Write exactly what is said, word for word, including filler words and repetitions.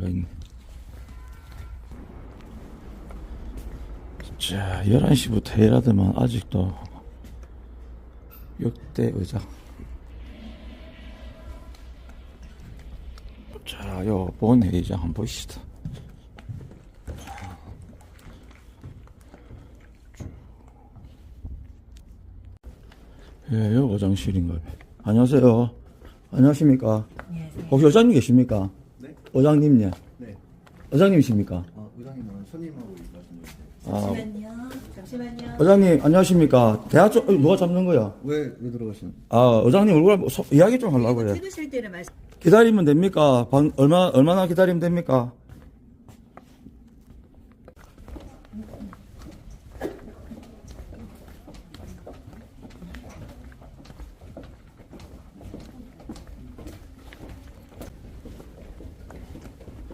있네. 자, 열한 시부터 일하더만 아직도 역대 의자. 자, 요 본회의장 한번 보시다. 예, 요 의장실인가요? 안녕하세요. 안녕하십니까? 안녕하세요. 혹시 의장님 계십니까? 네? 의장님, 예. 네. 의장님이십니까? 아, 의장님은 손님하고 말씀 주세요. 아, 잠시만요. 잠시만요. 의장님, 안녕하십니까? 대화 좀, 어, 누가 잡는 거야? 왜, 왜 들어가신? 아, 의장님 얼굴 한번 소- 이야기 좀 하려고요. 찍으실 때는 말씀. 기다리면 됩니까? 방, 얼마, 얼마나 기다리면 됩니까?